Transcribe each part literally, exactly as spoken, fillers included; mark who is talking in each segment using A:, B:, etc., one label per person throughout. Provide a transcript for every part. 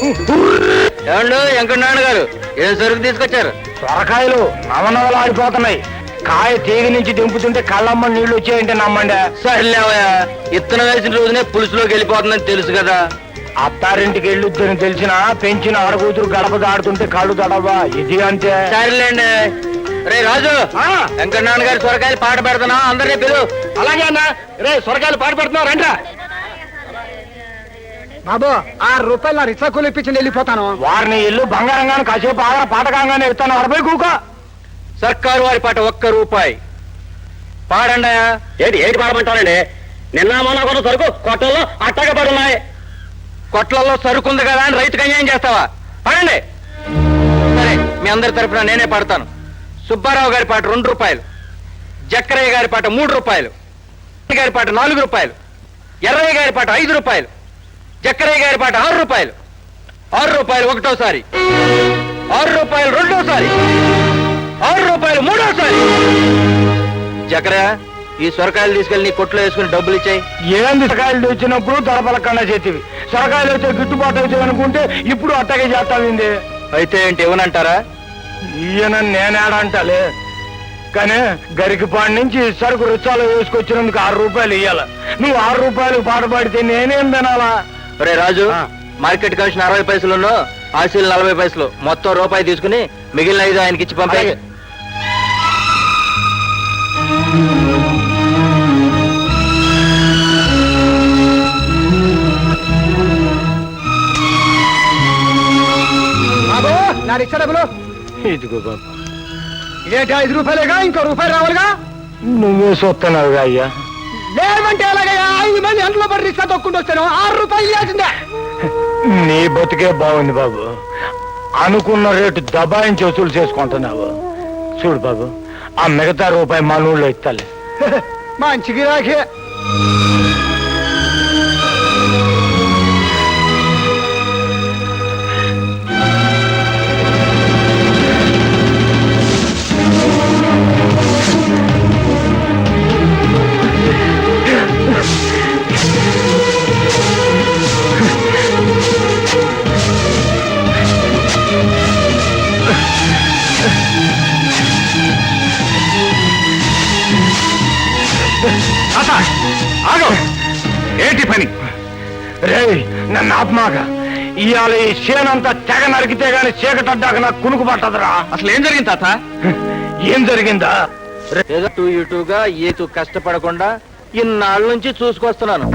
A: ఏమండు వెంకటనారాయణ గారు ఏం సరుకు తీసుకొచ్చారు?
B: సొరకాయలు నవనవలు ఆడిపోతున్నాయి. కాయ తీగ నుంచి దింపుతుంటే కళ్ళమ్మ నీళ్లు వచ్చాయంటే నమ్మండి.
A: సర్లేవయ్యా, ఇత్తనం వేసిన రోజునే పులుసులోకి వెళ్ళిపోతుందని తెలుసు కదా.
B: అత్తారింటికి వెళ్ళొద్దని తెలిసినా పెంచిన ఆడకూతురు గడప దాడుతుంటే కళ్ళు దడవా, ఇది అంతే.
A: సరేలేండి. రే రాజు, వెంకటనారాయణ గారి సొరకాయలు పాట పెడుతున్నా, అందరినీ పిలు.
B: అలాగే అన్న. రే సొరకాయలు పాట పెడుతున్నావు రండి.
C: బాబు ఆరు రూపాయలు నా రిక్షా కూలి ఇప్పించి వెళ్ళిపోతాను.
B: వారిని ఇల్లు బంగారంగానే కాసేపు ఆగ పాటకంగానే ఇస్తాను. అరవై కూక
A: సర్కారు వారి పాట ఒక్క రూపాయి పాడండి.
B: ఏంటి ఏంటి పాడమంటారండి? నిన్న మొన్న కూడా సరుకు కొట్టల్లో అట్టగా పడున్నాయి.
A: కొట్లలో సరుకుంది కదా అని రైతుకు అన్యాయం చేస్తావా? పాడండి. సరే, మీ అందరి తరపున నేనే పాడతాను. సుబ్బారావు గారి పాట రెండు రూపాయలు, జక్కరయ్య గారి పాట మూడు రూపాయలు, గారి పాట నాలుగు రూపాయలు, ఎర్రయ్య గారి పాట ఐదు రూపాయలు, జక్కరయ్య గారి పాట ఆరు రూపాయలు, ఆరు రూపాయలు ఒకటోసారి, ఆరు రూపాయలు రెండోసారి, ఆరు రూపాయలు మూడోసారి. జక్కరయ్య, ఈ సొరకాయలు తీసుకెళ్లి నీ కొట్లో వేసుకుని డబ్బులు ఇచ్చాయి.
B: ఏంది సొరకాయలు వచ్చినప్పుడు దొరపలకన్నా చేతివి, సొరకాయలు వచ్చే గిట్టుబాటు అవుతాయి అనుకుంటే ఇప్పుడు అట్టగే చేస్తావింది.
A: అయితే ఏంటి ఇవ్వనంటారా?
B: ఈయన నేనేడంటలే కానీ గరికిపాడి నుంచి సరుకు రుచాలు వేసుకొచ్చినందుకు ఆరు రూపాయలు ఇయ్యాల. నువ్వు ఆరు రూపాయలు పాట పాడితే నేనేం తినాలా?
A: రే రాజు, మార్కెట్ కమిషన్ అరవై పైసలు, ఆశీలు నలభై పైసలు, మొత్తం రూపాయి తీసుకుని మిగిలిన ఐదు ఆయనకి ఇచ్చి పంపాయి.
C: బాబు నా రిక్షా డబ్బులు.
B: ఇదిగో బాబు.
C: ఇదేంటి ఐదు రూపాయలేగా, ఇంకో రూపాయలు రావాలిగా.
B: నువ్వే చూస్తున్నావుగా అయ్యా.
C: లేదంటే ఎలాగయ్యా? ఐదు మంది ఎంట్లో పడి రిక్షా తొక్కుంటూ వస్తాను, ఆరు రూపాయలు ఇవ్వాల్సిందే.
B: నీ బతికే బాగుంది బాబు. అనుకున్న రేటు దబాయించి వసూలు చేసుకుంటున్నావు. చూడు బాబు, ఆ మిగతా రూపాయి మా నూళ్ళో ఇస్తాలే.
C: మంచి గిరాకే.
B: ఏంటి పని? రే నన్ను ఆత్మాగా ఇవాళ ఈ చేనంతా తెగ నరికితే గాని చీకటడ్డాక నాకు కునుకు పట్టదురా.
A: అసలు ఏం జరిగింది తాత?
B: ఏం జరిగిందా?
A: ఏదో టూ ఇటుగా ఏతు కష్టపడకుండా ఇన్నాళ్ళ నుంచి చూసుకొస్తున్నాను.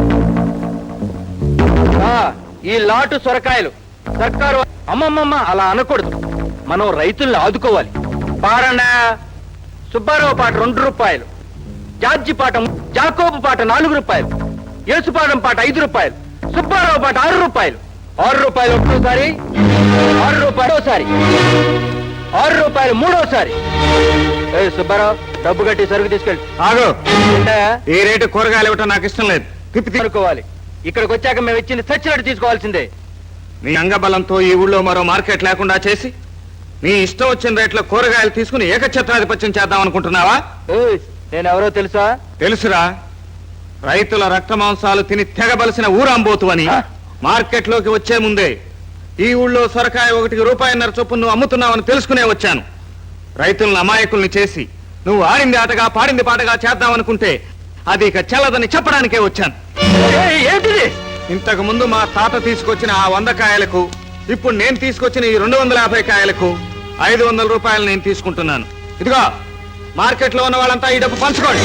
A: ఈ లాటు సొరకాయలు సర్కారు అమ్మమ్మమ్మ అలా అనకూడదు. మనం రైతుల్ని ఆదుకోవాలి. పాడండా. సుబ్బారావు పాట రెండు రూపాయలు, జార్జి పాట, జాకోబు పాట నాలుగు రూపాయలు, యేసుపాదం పాట ఐదు రూపాయలు, సుబ్బారావు పాట ఆరు రూపాయలు, ఆరు రూపాయలు ఒకటోసారి, ఆరు రూపాయలు ఒకసారి, ఆరు రూపాయలు మూడోసారి. ఏ సుబ్బారావు, డబ్బు కట్టి సరుకు తీసుకెళ్ళి.
B: ఆగు.
A: ఈ
B: రేటు కూరగాయలు ఇవ్వటం నాకు ఇష్టం లేదు. తిప్పి
A: అనుకోవాలి. ఇక్కడికి వచ్చాక మేము ఇచ్చింది సచ్చినట్టు తీసుకోవాల్సిందే.
B: నీ అంగబలంతో ఈ ఊళ్ళో మరో మార్కెట్ లేకుండా చేసి నీ ఇష్టం వచ్చిన రేట్లో కూరగాయలు తీసుకుని ఏకఛత్రాధిపత్యం చేద్దాం అనుకుంటున్నావా?
A: నేను ఎవరో తెలుసా?
B: తెలుసురా. రైతుల రక్త మాంసాలు తిని తెగబలిసిన ఊరాంబోతు అని మార్కెట్ లోకి వచ్చే ముందే ఈ ఊళ్ళో సొరకాయ ఒకటికి రూపాయిన్నర చొప్పున నువ్వు అమ్ముతున్నావని తెలుసుకునే వచ్చాను. రైతులను అమాయకుల్ని చేసి నువ్వు ఆడింది ఆటగా పాడింది పాటగా చేద్దామనుకుంటే అది ఇక చెల్లదని చెప్పడానికే వచ్చాను.
A: ఏంటిది?
B: ఇంతకు ముందు మా తాత తీసుకొచ్చిన ఆ వంద కాయలకు ఇప్పుడు నేను తీసుకొచ్చిన ఈ రెండు వందల యాభై కాయలకు ఐదు వందల రూపాయలు నేను తీసుకుంటున్నాను. ఇదిగో మార్కెట్ లో ఉన్న వాళ్ళంతా ఈ డబ్బు పంచుకోండి.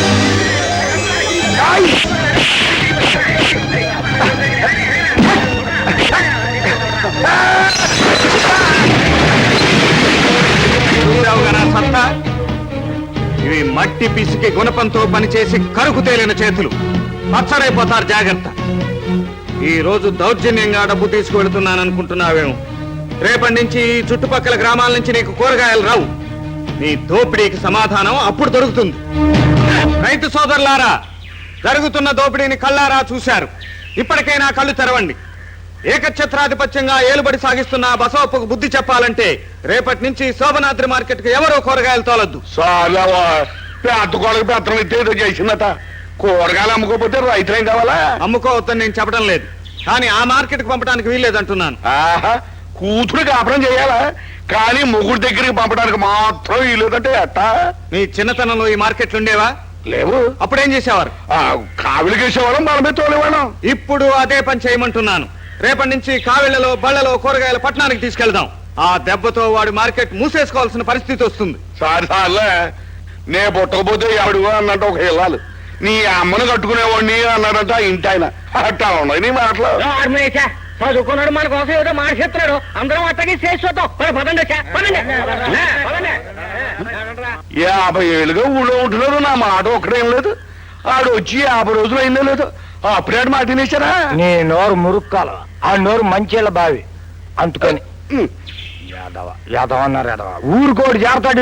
B: సత్తా ఇవి మట్టి పిసికి గుణపంతో పనిచేసి కరుకు తేలిన చేతులు. పచ్చరైపోతారు, జాగ్రత్త. ఈ రోజు దౌర్జన్యంగా డబ్బు తీసుకువెళుతున్నాను అనుకుంటున్నావేమో. రేపటి నుంచి ఈ చుట్టుపక్కల గ్రామాల నుంచి నీకు కూరగాయలు రావు. నీ దోపిడీకి సమాధానం అప్పుడు దొరుకుతుంది. రైతు సోదరులారా, జరుగుతున్న దోపిడీని కళ్ళారా చూశారు. ఇప్పటికైనా కళ్ళు తెరవండి. ఏకఛత్రాధిపత్యంగా ఏలుబడి సాగిస్తున్న బసవప్పకు బుద్ధి చెప్పాలంటే రేపటి నుంచి శోభనాద్రి మార్కెట్ కు ఎవరో కూరగాయలు తోలద్దు.
D: పెద్దకోళ్ళకి పెత్తనం ఇస్తే ఏదో చేసిందట. కూరగాయలు అమ్ముకోపోతే రైతులేం కావాలా?
B: అమ్ముకోవద్దని నేను చెప్పడం లేదు. కానీ ఆ మార్కెట్కి పంపడానికి వీల్లేదంటున్నాను.
D: ఆహా కూతురు కాపురం చేయాలా కానీ మొగుడు దగ్గరికి పంపడానికి మాత్రం వీలేదంటే ఎట్టా?
B: నీ చిన్నతనంలో ఈ మార్కెట్లు ఉండేవా?
D: లేవు.
B: అప్పుడేం చేసేవారు?
D: ఆ, కావిలికేసేవాళ్ళం మనమే తోలేవాళ్ళం.
B: ఇప్పుడు అదే పని చేయమంటున్నాను. రేపటి నుంచి కావిళ్లలో బళ్ళలో కూరగాయల పట్టణానికి తీసుకెళ్దాం. ఆ దెబ్బతో వాడి మార్కెట్ మూసేసుకోవాల్సిన పరిస్థితి వస్తుంది.
D: సారి సార్లే నే పుట్టకపోతే ఎవడు అన్నట్టు ఒక ఇల్లాలు నీ అమ్మను కట్టుకునేవాడిని అన్నాడంట ఆ ఇంటి ఆయన. అట్టా ఉన్నాయి నీ మాటలు.
A: చదువుకున్నాడు మన కోసం ఏదో మాట్లాడుతున్నాడు. అందరం అట్టకి చేసి చూద్దాం. పదండి పదండి.
D: యాభై ఏళ్ళుగా ఊళ్ళో ఉంటున్నారు. నా మాట ఒక్కడేం లేదు. ఆడు వచ్చి యాభై రోజులు అయిందో లేదు అప్పుడే మాట తినేశారా?
C: నీ నోరు మురుక్కాల, ఆ నోరు మంచిల బావి అందుకని
D: ఉమ్.
C: యాదవ యాదవ అన్నారు యాదవ ఊరుకోడు జాగ్రత్త.